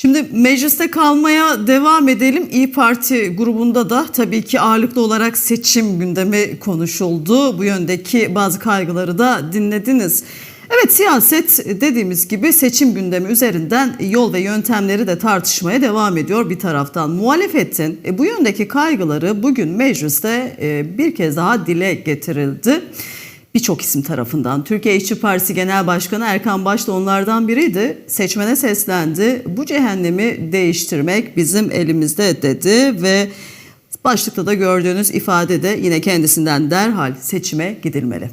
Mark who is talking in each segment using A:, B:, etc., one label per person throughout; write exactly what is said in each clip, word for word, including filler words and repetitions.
A: Şimdi mecliste kalmaya devam edelim. İYİ Parti grubunda da tabii ki ağırlıklı olarak seçim gündemi konuşuldu. Bu yöndeki bazı kaygıları da dinlediniz. Evet, siyaset dediğimiz gibi seçim gündemi üzerinden yol ve yöntemleri de tartışmaya devam ediyor bir taraftan. Muhalefetin bu yöndeki kaygıları bugün mecliste bir kez daha dile getirildi. Birçok isim tarafından. Türkiye İşçi Partisi Genel Başkanı Erkan Baş da onlardan biriydi. Seçmene seslendi. Bu cehennemi değiştirmek bizim elimizde dedi ve başlıkta da gördüğünüz ifadede yine kendisinden derhal seçime gidilmeli.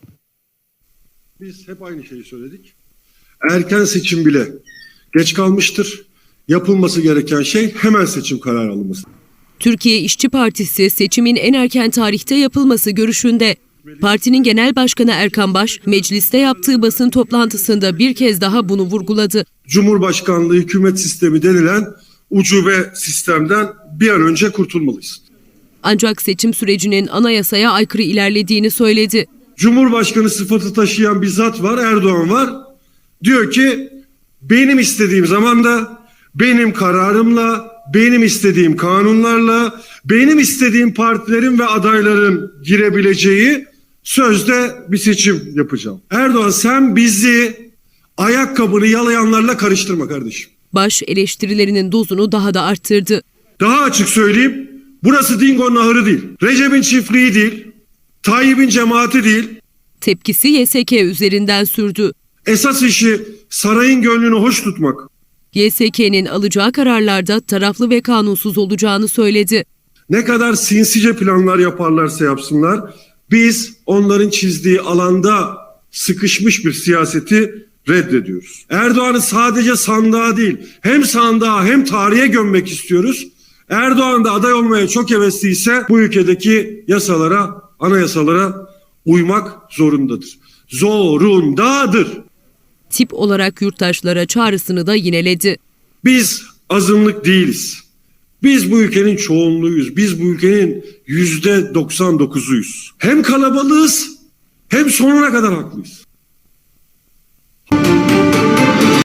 B: Biz hep aynı şeyi söyledik. Erken seçim bile geç kalmıştır. Yapılması gereken şey hemen seçim kararı alınması.
C: Türkiye İşçi Partisi seçimin en erken tarihte yapılması görüşünde. Partinin genel başkanı Erkan Baş, mecliste yaptığı basın toplantısında bir kez daha bunu vurguladı.
B: Cumhurbaşkanlığı hükümet sistemi denilen ucube sistemden bir an önce kurtulmalıyız.
C: Ancak seçim sürecinin anayasaya aykırı ilerlediğini söyledi.
B: Cumhurbaşkanı sıfatı taşıyan bir zat var, Erdoğan var. Diyor ki benim istediğim zamanda, benim kararımla, benim istediğim kanunlarla, benim istediğim partilerin ve adayların girebileceği sözde bir seçim yapacağım. Erdoğan, sen bizi ayakkabını yalayanlarla karıştırma kardeşim.
C: Baş eleştirilerinin dozunu daha da arttırdı.
B: Daha açık söyleyeyim, burası Dingo'nun ahırı değil, Recep'in çiftliği değil, Tayyip'in cemaati değil.
C: Tepkisi Y S K üzerinden sürdü.
B: Esas işi sarayın gönlünü hoş tutmak.
C: Y S K'nin alacağı kararlarda taraflı ve kanunsuz olacağını söyledi.
B: Ne kadar sinsice planlar yaparlarsa yapsınlar, biz onların çizdiği alanda sıkışmış bir siyaseti reddediyoruz. Erdoğan'ı sadece sandığa değil, hem sandığa hem tarihe gömmek istiyoruz. Erdoğan da aday olmaya çok hevesliyse bu ülkedeki yasalara, anayasalara uymak zorundadır. Zorundadır.
C: Tip olarak yurttaşlara çağrısını da yineledi.
B: Biz azınlık değiliz. Biz bu ülkenin çoğunluğuyuz. Biz bu ülkenin yüzde doksan dokuzuyuz. Hem kalabalığız hem sonuna kadar haklıyız.